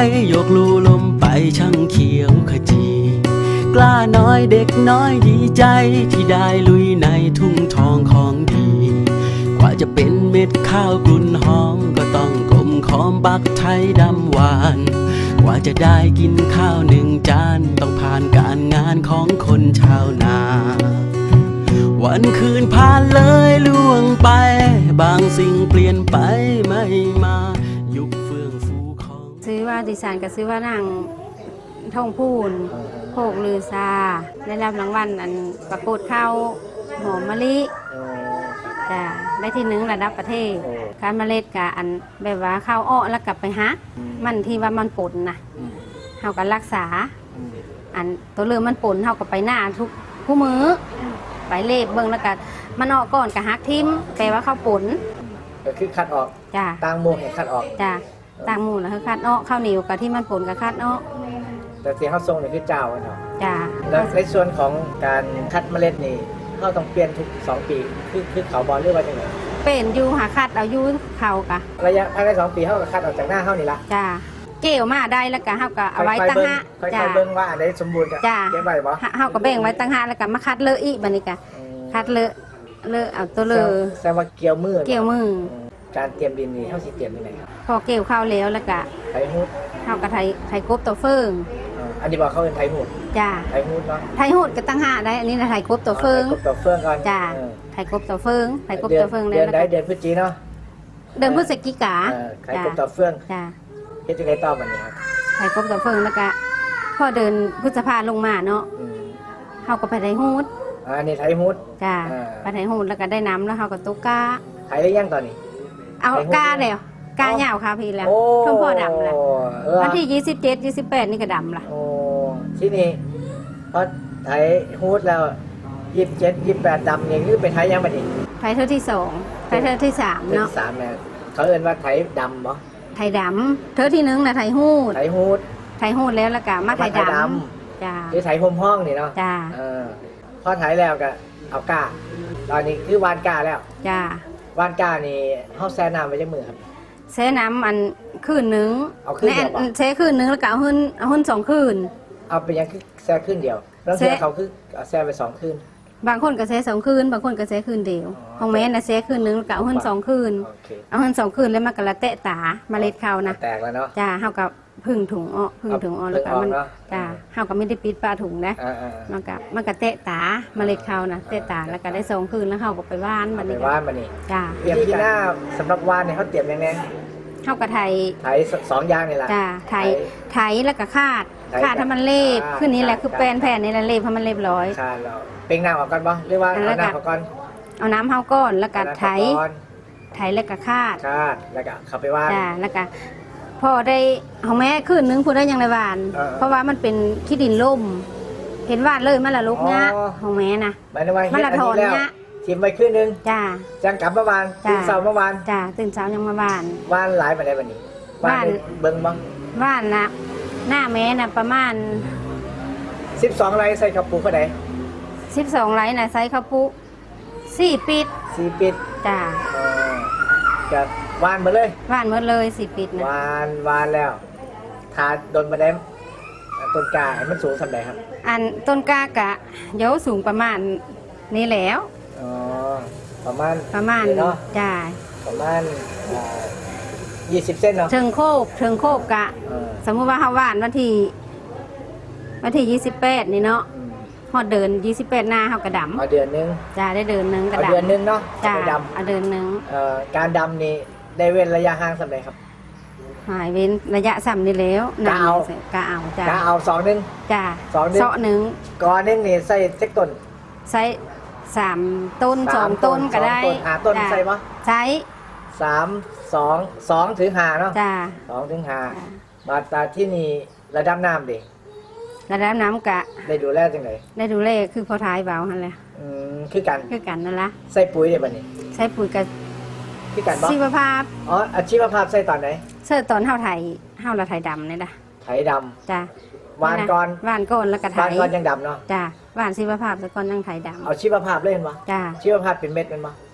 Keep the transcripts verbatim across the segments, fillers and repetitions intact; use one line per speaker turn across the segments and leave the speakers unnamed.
ยกลูลมไปช่างเขียวขจีกล้าน้อยเด็กน้อยดีใจที่ได้ลุยในทุ่งทองของดีกว่าจะเป็นเม็ดข้าวกลุ่นหอมก็ต้องกลมขอมบักไทยดำหวานกว่าจะได้กินข้าวหนึ่งจานต้องผ่านการงานของคนชาวนาวันคืนผ่านเลยล่วงไปบางสิ่งเปลี่ยนไปไม่มายุคเฟื่องฟูของ
ซื้อว่าดิฉันก็ซื้อว่านางทองพูนโภกลือซาได้รับรางวัลอันประกวดข้าวหอมมะลิจ้ะได้ที่หนึ่งระดับประเทศการเมล็ดกับอันแบบว่าข้าวอ้อแล้วกลับไปฮักมันที่ว่ามันป่นนะเฮาก็รักษาอันตัวเรือมันป่นเฮาก็ไปหน้าทุกคู่มือไปเล็บเบิ่งแล้วก็มันออกก่อนกับฮักทิมแปลว่าข้าวป่น
ก็คือคัดออก
จ้ะ
ต่างหมู่ให้คัดออก
จ้ะต่างหมู่แล้วคือคัดออกข้าวเหนียวกับที่มันป่นกับคัดออก
แต่ที่เขาทรงนี่คือเจ้าเนาะ
จ้ะ
แล้วในส่วนของการคัดเมล็ดนี่เขาต้องเปลี่ยนทุกสองปีคือคือเขาบอลหรือว่าจังไง
เป็นอยู่หาคัดเอาอยู่เขากะ
ระยะภายในสองปีเขาก็คัดออกจากหน้าเขานี่ละ
จ้ะเกี่ยวมาได้แล้วก็เฮาก็เอาไว้ตั้งหะ
จ้ะเบิ่งว่าอันใดสมบูรณ์ก็เก็บไว้บ่
เฮาก็แบ่งไว้ตั้งหะแล้วก็มาคัดเลอะอีกบัดนี้ก็คัดเลอะเลอะเอาตัวเลอะ
แสดงว่าเกี่ยวมือ
เกี่ยวมือ
การเตรียมดินนี่เฮาสิเตรียมยังไงครับ
พอเกี่ยวข้าวแล้วแล้วก็
ไถฮูด
เฮาก็ไถไถกบตัวเฟิง
อันนี้บอกเขาเป็นไถฮูด
จ้ะ
ไถฮูดเนาะ
ไถฮูดก็ตั้งหะได้อันนี้นะไถกบตัวเฟิง
กบตัวเฟิงก่อน
จ้ะไถกบตัวเฟิงไถกบตัวเฟิง
เดือนใดเดือนพฤศจิกายนเนาะ
เดือนพฤศจิกา
ไถกบตัวเฟิง
จ้ะ
เฮ็ดจังได๋ต่อบัดนี้ครับ
ไถกบตัวเฟิงแล้วก็พอเดินพฤษภาลงมาเนาะเฮาก็ไปไถฮูด
อันนี้ไถฮูด
จ้ะไปไถฮูดแล้วก็ได้น้ำแล้วเฮาก็ตกกา
ไถได้ยังตอนนี้
เอากาแล้วกาเหยาวค่ะพี่แล้วทุ่งพ่อดำแล้ววันที่ยี่สิบเจ็ด ยี่สิบแปดนี่ก็ดำละ
โอ้ที่นี่พอไถฮูดแล้วยี่สิบเจ็ด ยี่สิบแปดดำนี่คือไปไถยังบัดนี้
ไถเท่าที่สองไถเท่าที่สามเนาะ
สามแม่เขาเอิ้นว่าไถดำบ่
ไถดำเท่าที่หนึ่งน่ะไถฮูด
ไถฮูด
ไถฮูดแล้วแล้วก็มาไถดำจ้า
คือไถห่มห้องนี่เนาะ
จ้า
เออพอไถแล้วก็เอาก้าตอนนี้คือวานก้าแล้ว
จ้
าวานก้านี่เฮาแช่น้ำไว้จักมื้อครับ
แช่น้ำอันคืนนึง
เอาคืนเดียว
แช่คืนนึงแล้วก็เอาหื้นเอาหื้นสองคืน
เอาไปยังคือแช่คืนเดียวแล้วเทื่อเขาคือแช่ไปสองคืน
บางคนก็แช่สองคืนบางคนก็แช่คืนเดียวของแม่น่ะแช่คืนนึงแล้วก็เอาหื้นสองคืนเอาหื้นสองคืนแล้วมันก็ละเตะตาเมล็ดข้าวนะ
แตกแล้วเนาะ
จ้าเฮาก็พึ่งถุงอ้อพึ่งถุงอ้อแล้วก็มันจ้าเฮาก็ไม่ได้ปิดปลาถุงนะมันก็มันก็เตะตาเมล็ดข้าวนะเตะตาแล้วก็ได้สองคืนแล้วเฮาก็ไปว่าน
บัดนี้ไปว่านบัดนี้
จ้า
เตรียมที่หน้าสำหรับว่านเนี่ยเขาเตรียมยังไง
เฮากะไถ
ไถสองอย่างนี่แหละ
จ้าไถไถแล้วก็คาดคาดให้มันเรียบขึ้นนี้แหละคือแป้นแผ่นนี่แหละเรียบให้มันเรียบร้อย
คาดแล้วเป่งน้ำออกก่อนบ่หรือว่าเอาน้ำออกก่อน
เอาน้ำเฮาก่อนแล้วก็ไถไถแล้วก็คาด
คาดแล้วก็เข้าไปว่าน
จ้าแล้วก็พอได้ของแม่คืนนึงพูดได้ยังในว่านเพราะว่ามันเป็นขี้ดินล่มเห็นว่านเลยมันละลุกเนี้ยของแม่นะ
มันละถอนเนี้ยทิมไปคืนนึง
จ้า
จังกลับเมื่อวานตื่นเช้าเมื่อวาน
จ้าตื่นเช้ายังมาว่าน
ว่านหลายมาได้วันนี้ว่านเบิ่งบ้าง
ว่านนะหน้าแม่น่ะประมาณ
สิบสองไร่ใส่ข้าวปูเท่าไหร่
สิบสองไร่น่ะใส่ข้าวปูสี่ปิด
สี่ปิด
จ้า
จะว่านมาเลย
ว่านหมดเลยสี่ปิดนะ
ว่านว่านแล้วทาโดนมาได้ต้นกาให้มันสูงสักไหนครับ
อันต้นกากะเยอะสูงประมาณนี้แล้ว
อ๋อประมาณ
ประมาณ
เนาะ
จ้า
ประมาณยี่สิบเซนเนาะ
เชิงโคบเชิงโคบกะสมมุติว่าเฮาว่านวันที่วันที่ยี่สิบแปดนี่เนาะฮอดเดินยี่สิบแปดหน้าเฮากระดำ
เอาเดือนนึง
จ้าได้เดินนึง
กระดำเดือนนึงเนาะ
จ้าเอาเดินนึง
เอ่อการดำนี่ได้เว้นระยะห่างสักไหนครับ
หายเว้นระยะซ้ำนี่แล้ว
กะเอา
กะเอาจ้าก
ะเอาสองนึง
จ้า
สองนึง
เสาะนึง
ก่อนนึงนี่ใส่เจ็ดต้น
ใส่สามต้นสองต้นก็ได้
หาต้นใส่ปะ
ใช้
สามสองสองถึงห้าเนาะ
จ้า
สองถึงห้ามาตาที่นี่ระดับน้ำดิ
ระดับน้ำกะ
ได้ดูแลจังไหน
ได้ดูแลคือพอท้ายเบาหันแหละ
อืมคือกัน
คือกันนั่นละ
ใส่ปุ๋ยได้ป่ะนี่
ใส่ปุ๋ยกับ
คือกันบ่
ชีวภาพ
อ๋ออาชีวภาพใส่ตอนไหน
ใส่ตอนเฮาไถเฮาละไถดำนี่ล่ะ
ไถดำ
จ้
าวานก่อน
วานก่อนแล้วก็ไถ
วานก่อนยังดำเนาะ
จ้าวานชีวภาพแล้วก่อนยังไถดำ
เอาชีวภาพเล่นบ่
จ้า
ชีวภาพเป็นเม็ดมันบ่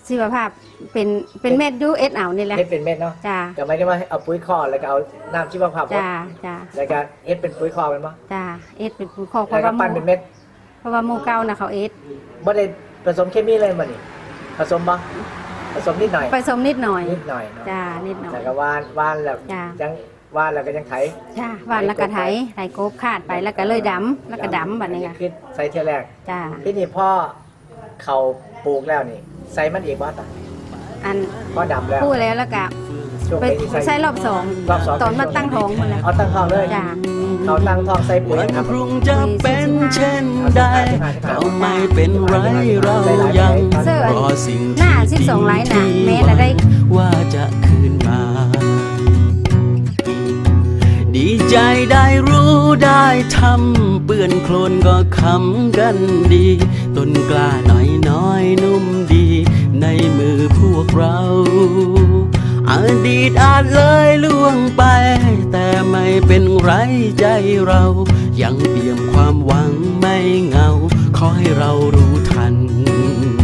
ชีวภาพเป็นเป็นเม็ดยูเอสเอานี่แหละ
เฮ็ดเป็นเม็ดเนาะ
จ้า
ก็ไม่ได้ว่าเอาปุ๋ยคอกแล้วก็เอาน้ำชีวภาพ
จ้าจ้า
แล้วก็เฮ็ดเป็นปุ๋ยคอกเป็นบ่
จ้าเอสเป็นข้อเพ
แล้ว
ราะ
ก็
ว่าห
ปั้น
มู
เป็นเม็ด
เพราะว่าหมูเก่านะเขาเอส
บ่ได้ผสมเคมีเลยบ่นี่ผสมบ่ผสมนิดหน่อย
ผสมนิดหน่อย
นิดหน่อยเนาะ
จ้านิดหน่อย
แล้วก็ว่านว่านแล้ว
จ้า
ยังว่านแล้วก็ยังไถ
จ้าหวานแล้วก็ไถไถกบขาดไปแล้วก็เลยดำแล้วก็ดำแบบนี้
อั
ค่ะ
คือใส่เที่ยแรก
จ้า
ที่นี่พ่อเขาปลูกแล้วนี่ใส่มันอีกบ่ตา
อัน
พ่อดำแล้ว
พูดแล้วแล้วก็
ช่วง
ไป
ที่
ใช้รอบสอง
รอบสอง
ตอนมาตั้งท้องหมดแล้ว
เอาตั้งท้องเลย
จ้า
เขาตั้งท้องใส่ปุ๋ย
วัน
ครับ
พรุ่งจะเป็นเช่นใดก็ไม่เป็นไรเรายังรอสิ่ง
หน้า
ที่
สิบสองไลน์น่ะ
ดี
แม้ละได้
ว่าจะคืนมา ดีใจได้รู้ได้ทำเปื้อนโคลนก็คำกันดี ต้นกล้าน้อยน้อยนุ่มดี ในมือพวกเรา อดีตอาจเลยล่วงไป แต่ไม่เป็นไรใจเรา ยังเปี่ยมความหวังไม่เหงา ขอให้เรารู้ทัน